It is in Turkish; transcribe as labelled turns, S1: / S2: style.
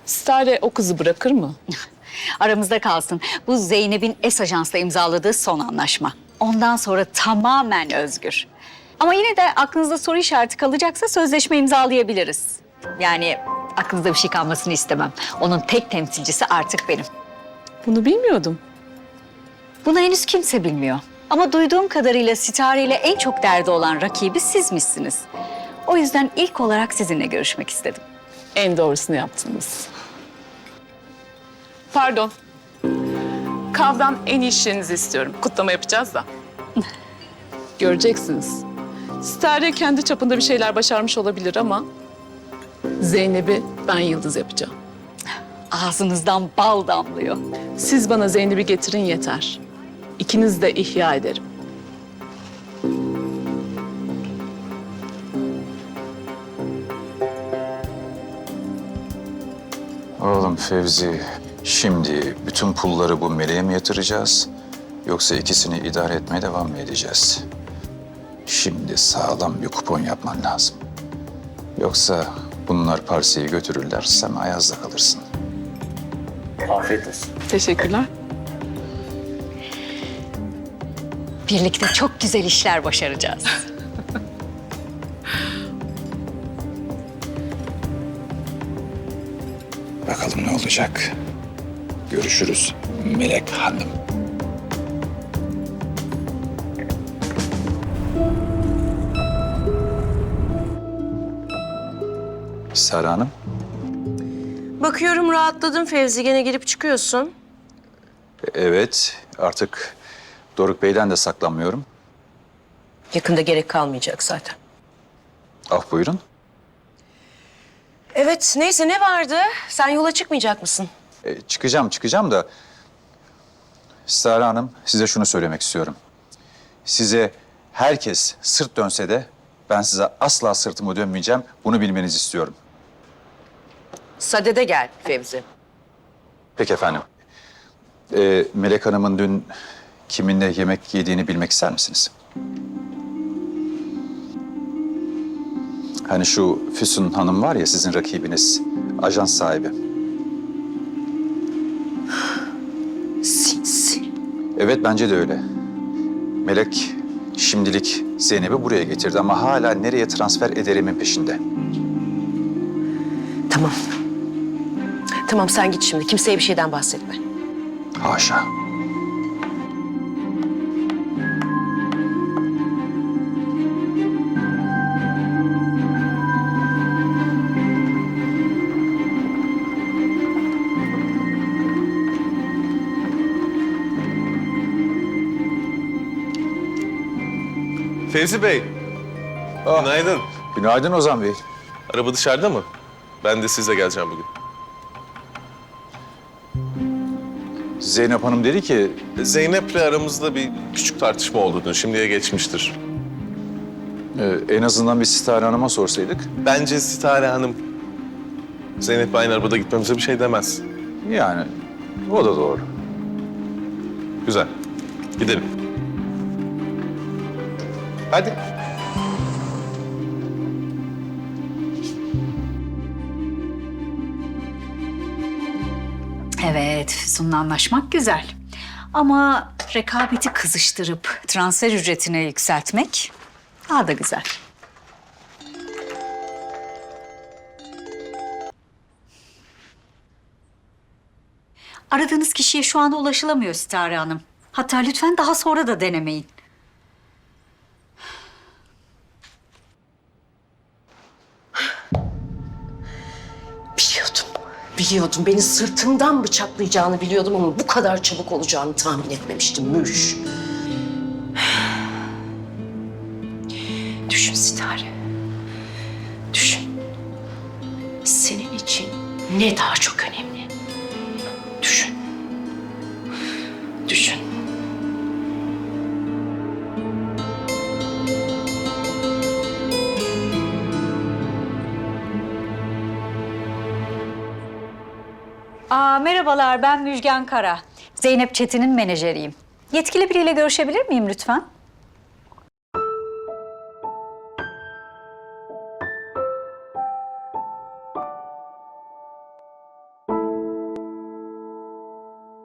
S1: Stare o kızı bırakır mı?
S2: Aramızda kalsın. Bu Zeynep'in S-Ajans'la imzaladığı son anlaşma. Ondan sonra tamamen özgür. Ama yine de aklınızda soru işareti kalacaksa sözleşme imzalayabiliriz. Yani aklınızda bir şey kalmasını istemem. Onun tek temsilcisi artık benim.
S1: Bunu bilmiyordum.
S2: Bunu henüz kimse bilmiyor. Ama duyduğum kadarıyla Sitare ile en çok derdi olan rakibi sizmişsiniz. O yüzden ilk olarak sizinle görüşmek istedim.
S1: En doğrusunu yaptınız. Pardon. Kav'dan en iyi işlerinizi istiyorum. Kutlama yapacağız da. Göreceksiniz. Stare kendi çapında bir şeyler başarmış olabilir ama Zeynep'i ben yıldız yapacağım.
S2: Ağzınızdan bal damlıyor.
S1: Siz bana Zeynep'i getirin yeter. İkiniz de ihya ederim.
S3: Oğlum Fevzi, şimdi bütün pulları bu meleğe mi yatıracağız? Yoksa ikisini idare etmeye devam mı edeceğiz? Şimdi sağlam bir kupon yapman lazım. Yoksa bunlar parseyi götürürler, sen ayazda kalırsın.
S4: Afiyet olsun.
S1: Teşekkürler.
S2: Birlikte çok güzel işler başaracağız.
S3: Bakalım ne olacak? Görüşürüz Melek Hanım. Sara Hanım,
S5: Bakıyorum rahatladın Fevzi. Gene girip çıkıyorsun.
S3: evet artık Doruk Bey'den de saklanmıyorum.
S5: Yakında gerek kalmayacak zaten.
S3: Ah buyurun.
S5: Evet neyse ne vardı? Sen yola çıkmayacak mısın?
S3: Çıkacağım da Sara Hanım size şunu söylemek istiyorum. Size herkes sırt dönse de ben size asla sırtımı dönmeyeceğim. Bunu bilmenizi istiyorum.
S5: Sadede gel Fevzi.
S3: Peki efendim. Melek Hanım'ın dün kiminle yemek yediğini bilmek ister misiniz? Hani şu Füsun Hanım var ya sizin rakibiniz, ajans sahibi.
S5: Sinsi.
S3: Evet bence de öyle. Melek şimdilik Zeynep'i buraya getirdi ama hala nereye transfer ederimin peşinde.
S5: Tamam. Tamam sen git şimdi. Kimseye bir şeyden bahsetme.
S3: Haşa.
S4: Fevzi Bey, günaydın.
S3: Günaydın Ozan Bey.
S4: Araba dışarıda mı? Ben de sizle geleceğim bugün.
S3: Zeynep Hanım dedi ki
S4: Zeynep'le aramızda bir küçük tartışma oldu dün. Şimdiye geçmiştir.
S3: en azından bir Sitare Hanım'a sorsaydık.
S4: Bence Sitare Hanım Zeynep'le aynı arabada gitmemize bir şey demez.
S3: Yani o da doğru.
S4: Güzel. Gidelim. Hadi.
S2: Evet, Füsun'la anlaşmak güzel. Ama rekabeti kızıştırıp transfer ücretini yükseltmek daha da güzel. Aradığınız kişiye şu anda ulaşılamıyor Sitare Hanım. Hatta lütfen daha sonra da denemeyin.
S5: Biliyordum. Biliyordum. Beni sırtımdan bıçaklayacağını biliyordum ama bu kadar çabuk olacağını tahmin etmemiştim. Müş. Düşün Sitare. Düşün. Senin için ne daha çok önemli? Düşün. Düşün.
S2: Merhabalar, ben Müjgan Kara. Zeynep Çetin'in menajeriyim. Yetkili biriyle görüşebilir miyim lütfen?